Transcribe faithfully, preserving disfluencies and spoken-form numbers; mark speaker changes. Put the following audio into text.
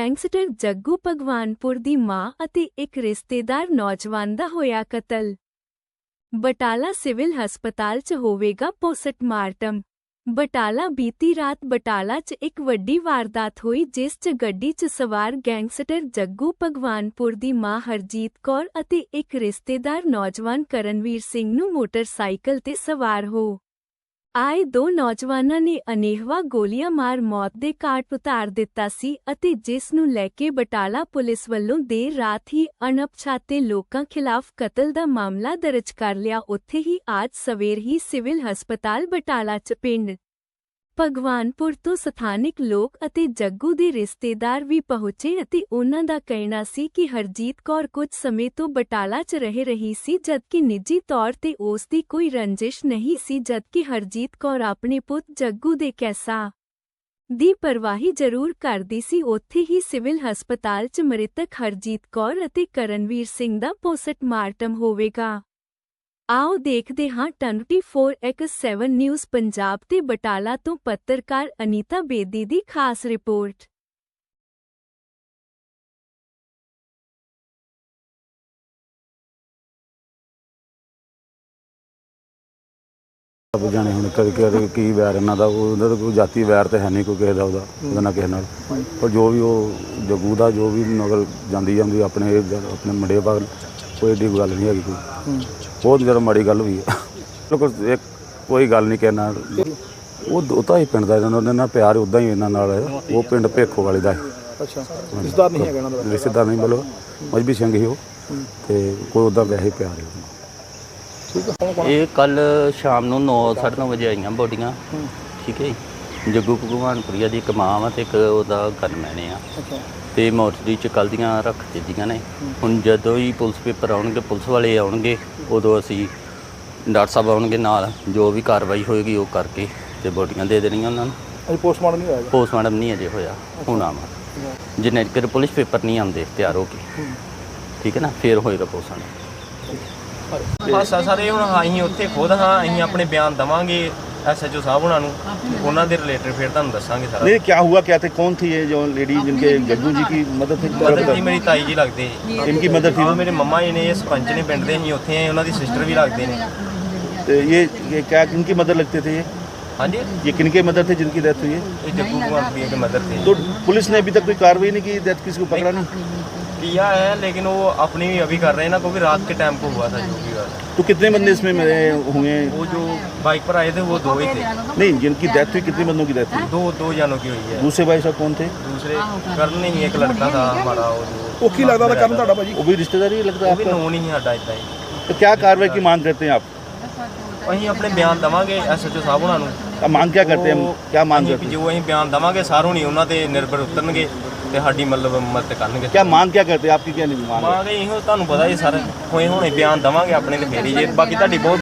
Speaker 1: Gangster Jaggu Bhagwanpur ਦੀ ਮਾਂ ਅਤੇ ਇੱਕ ਰਿਸ਼ਤੇਦਾਰ ਨੌਜਵਾਨ ਦਾ ਹੋਇਆ ਕਤਲ। ਬਟਾਲਾ ਸਿਵਲ ਹਸਪਤਾਲ 'ਚ ਹੋਵੇਗਾ ਪੋਸਟਮਾਰਟਮ। ਬਟਾਲਾ ਬੀਤੀ ਰਾਤ ਬਟਾਲਾ 'ਚ ਇੱਕ ਵੱਡੀ ਵਾਰਦਾਤ ਹੋਈ, ਜਿਸ 'ਚ ਗੱਡੀ 'ਚ ਸਵਾਰ ਗੈਂਗਸਟਰ ਜੱਗੂ ਭਗਵਾਨਪੁਰ ਦੀ ਮਾਂ ਹਰਜੀਤ ਕੌਰ ਅਤੇ ਇੱਕ ਰਿਸ਼ਤੇਦਾਰ ਨੌਜਵਾਨ ਕਰਨਵੀਰ ਸਿੰਘ ਨੂੰ ਮੋਟਰਸਾਈਕਲ ਤੇ ਸਵਾਰ ਹੋ ਆਏ ਦੋ ਨੌਜਵਾਨਾਂ ਨੇ ਅਨੇਹਵਾ ਗੋਲੀਆਂ ਮਾਰ ਮੌਤ ਦੇ ਘਾਟ ਉਤਾਰ ਦਿੱਤਾ ਸੀ ਅਤੇ ਜਿਸ ਨੂੰ ਲੈ ਕੇ ਬਟਾਲਾ ਪੁਲਿਸ ਵੱਲੋਂ ਦੇਰ ਰਾਤ ਹੀ ਅਣਪਛਾਤੇ ਲੋਕਾਂ ਖਿਲਾਫ ਕਤਲ ਦਾ ਮਾਮਲਾ ਦਰਜ ਕਰ ਲਿਆ। ਉੱਥੇ ਹੀ ਅੱਜ ਸਵੇਰ ਹੀ ਸਿਵਲ ਹਸਪਤਾਲ ਬਟਾਲਾ 'ਚ ਪਿੰਡ ਭਗਵਾਨਪੁਰ ਤੋਂ ਸਥਾਨਿਕ ਲੋਕ ਅਤੇ ਜੱਗੂ ਦੇ ਰਿਸ਼ਤੇਦਾਰ ਵੀ ਪਹੁੰਚੇ ਅਤੇ ਉਨ੍ਹਾਂ ਦਾ ਕਹਿਣਾ ਸੀ ਕਿ ਹਰਜੀਤ ਕੌਰ ਕੁਝ ਸਮੇਂ ਤੋਂ ਬਟਾਲਾ 'ਚ ਰਹਿ ਰਹੀ ਸੀ, ਜਦਕਿ ਨਿੱਜੀ ਤੌਰ ਤੇ ਉਸ ਦੀ ਕੋਈ ਰੰਜਿਸ਼ ਨਹੀਂ ਸੀ, ਜਦਕਿ ਹਰਜੀਤ ਕੌਰ ਆਪਣੇ ਪੁੱਤ ਜੱਗੂ ਦੇ ਕੈਸਾਂ ਦੀ ਪਰਵਾਹੀ ਜ਼ਰੂਰ ਕਰਦੀ ਸੀ। ਉੱਥੇ ਹੀ ਸਿਵਲ ਹਸਪਤਾਲ 'ਚ ਮ੍ਰਿਤਕ ਹਰਜੀਤ ਕੌਰ ਅਤੇ ਕਰਨਵੀਰ ਸਿੰਘ ਦਾ ਪੋਸਟਮਾਰਟਮ ਹੋਵੇਗਾ। ਆਓ ਦੇਖਦੇ ਹਾਂ twenty four by seven news Punjab ਤੇ ਬਟਾਲਾ ਤੋਂ ਪੱਤਰਕਾਰ ਅਨੀਤਾ ਬੇਦੀ ਦੀ ਖਾਸ ਰਿਪੋਰਟ।
Speaker 2: ਆਪ ਜਾਣੇ ਹੁਣ ਕਦੇ ਕਦੇ ਕੀ ਵੈਰ ਇਹਨਾਂ ਦਾ, ਉਹਨਾਂ ਦਾ ਕੋਈ ਜਾਤੀ ਵੈਰ ਤਾਂ ਹੈ ਨਹੀਂ ਕੋਈ ਕਿਸੇ ਦਾ, ਉਹਦਾ ਉਹਦਾ ਨਾ ਕਿਸੇ ਨਾਲ। ਪਰ ਜੋ ਵੀ ਉਹ ਜੱਗੂ ਦਾ ਜੋ ਵੀ ਨਗਰ ਜਾਂਦੀ ਜਾਂਦੀ ਆਪਣੇ ਆਪਣੇ ਮੁੰਡੇ ਬਾਗ ਕੋਈ ਏਡੀ ਗੱਲ ਨਹੀਂ ਹੈਗੀ, ਕੋਈ ਬਹੁਤ ਜ਼ਿਆਦਾ ਮਾੜੀ ਗੱਲ ਹੋਈ ਹੈ। ਇੱਕ ਕੋਈ ਗੱਲ ਨਹੀਂ ਕਹਿਣਾ, ਉਹ ਉਹ ਤਾਂ ਹੀ ਪਿੰਡ ਦਾ ਇਹਨਾਂ ਨਾਲ ਪਿਆਰ ਉੱਦਾਂ ਹੀ ਇਹਨਾਂ ਨਾਲ ਹੈ। ਉਹ ਪਿੰਡ ਭੇਖੋ ਵਾਲੇ ਦਾ ਹੈ।
Speaker 3: ਅੱਛਾ, ਰਿਸ਼ਤੇਦਾਰ ਨਹੀਂ ਹੈਗਾ ਇਹਨਾਂ ਦਾ?
Speaker 2: ਰਿਸ਼ਤੇਦਾਰ ਨਹੀਂ, ਮਤਲਬ ਮਜਬੀ ਸਿੰਘ ਹੀ ਉਹ, ਤੇ ਕੋਈ ਉੱਦਾਂ ਵੈਸੇ ਪਿਆਰ ਹੈ।
Speaker 4: ਇਹ ਕੱਲ ਸ਼ਾਮ ਨੂੰ ਨੌ ਸਾਢੇ ਨੌ ਵਜੇ ਆਈਆਂ ਬੋਡੀਆਂ, ਠੀਕ ਹੈ ਜੀ। ਜੱਗੂ ਭਗਵਾਨਪੁਰੀਆ ਦੀ ਇੱਕ ਮਾਂ ਵਾ ਅਤੇ ਇੱਕ ਉਹਦਾ ਗਨਮੈਨ ਆ, ਅਤੇ ਮੋਰਚਰੀ 'ਚ ਕੱਲ੍ਹ ਦੀਆਂ ਰੱਖ ਦਿੱਤੀਆਂ ਨੇ। ਹੁਣ ਜਦੋਂ ਹੀ ਪੁਲਿਸ ਪੇਪਰ ਆਉਣਗੇ, ਪੁਲਿਸ ਵਾਲੇ ਆਉਣਗੇ, ਉਦੋਂ ਅਸੀਂ ਡਾਕਟਰ ਸਾਹਿਬ ਆਉਣਗੇ ਨਾਲ, ਜੋ ਵੀ ਕਾਰਵਾਈ ਹੋਏਗੀ ਉਹ ਕਰਕੇ ਅਤੇ ਬੋਡੀਆਂ ਦੇ ਦੇਣੀਆਂ ਉਹਨਾਂ ਨੂੰ।
Speaker 3: ਅਜੇ ਪੋਸਟਮਾਰਟਮ ਨਹੀਂ ਹੋਇਆ?
Speaker 4: ਪੋਸਟਮਾਰਟਮ ਨਹੀਂ ਅਜੇ ਹੋਇਆ, ਹੋਣਾ ਵਾ ਜਿੰਨੇ ਚਿਰ ਪੁਲਿਸ ਪੇਪਰ ਨਹੀਂ ਆਉਂਦੇ ਤਿਆਰ ਹੋ ਕੇ, ਠੀਕ ਹੈ ਨਾ, ਫਿਰ ਹੋਏਗਾ ਪੋਸਟਮਾਰਟਮ।
Speaker 5: ਬਸ ਸਾਰੇ ਹੁਣ ਅਸੀਂ ਉੱਥੇ ਖੁਦ ਹਾਂ, ਅਸੀਂ ਆਪਣੇ ਬਿਆਨ ਦੇਵਾਂਗੇ एस एच ओ साहब होना उन्होंने रिलेटेड फिर तुहानू दसांगे सारा।
Speaker 3: नहीं, क्या हुआ क्या थे, कौन थी ये जो लेडी जिनके जग्गू जी की मदद थी?
Speaker 5: मदद थी मेरी ताई जी लगते।
Speaker 3: इनकी मदद थी?
Speaker 5: मेरे मम्मा जी ने, सरपंच ने पिंड दे, असीं उत्थे आए, उन्हां दी सिस्टर भी लगते हैं।
Speaker 3: तो ये ये क्या किनकी मदद लगते थे ये?
Speaker 5: हाँ जी,
Speaker 3: ये किनके मदद थे जिनकी डेथ हुई है?
Speaker 5: ये जग्गू भगवानपुरिया के मदद थे।
Speaker 3: तो पुलिस ने अभी तक कोई कार्रवाई नहीं की, डेथ किसी को पकड़ा नहीं
Speaker 5: किया है, लेकिन वो अपनी भी अभी कर रहे हैं ना, क्योंकि रात के टाइम को हुआ था जो भी हुआ था।
Speaker 3: तो कितने बंदे इसमें मरे हुए?
Speaker 5: वो जो बाइक पर आए थे वो दो ही थे।
Speaker 3: नहीं, जिनकी डेथ हुई कितने बंदों की डेथ हुई?
Speaker 5: दो दो जानों की हुई है।
Speaker 3: दूसरे भाई साहब कौन थे?
Speaker 5: दूसरे करण नहीं, एक लड़का था हमारा,
Speaker 3: वो की लगता था करण था भाजी, वो भी रिश्तेदार ही लगता है,
Speaker 5: वो भी नो नहीं है साडा इतना ही।
Speaker 3: तो क्या कार्रवाई की मांग करते हैं आप?
Speaker 5: ਅਸੀਂ ਆਪਣੇ ਬਿਆਨ ਦੇਵਾਂਗੇ ਐਸ ਐਚ ਓ ਸਾਹਿਬ ਉਹਨਾਂ ਨੂੰ।
Speaker 3: अब मांग क्या करते हैं, क्या मांग करते हैं?
Speaker 5: ਜੋ ਅਸੀਂ ਬਿਆਨ ਦੇਵਾਂਗੇ ਸਾਰੋਂ ਨਹੀਂ ਉਹਨਾਂ ਤੇ ਨਿਰਭਰ ਉਤਰਨਗੇ ਤੇ ਸਾਡੀ ਮਤਲਬ ਮਦਦ ਕਰਨਗੇ।
Speaker 3: क्या मांग क्या करते हैं आपकी, क्या नहीं मांग?
Speaker 5: ਮਾਂਗੇ ਇਹੋ ਤੁਹਾਨੂੰ ਪਤਾ ਹੀ ਸਰ, ਹੋਏ ਹੁਣੇ ਬਿਆਨ ਦੇਵਾਂਗੇ ਆਪਣੇ ਤੇ ਫੇਰੀ ਜੇ, ਬਾਕੀ ਤੁਹਾਡੀ ਬਹੁਤ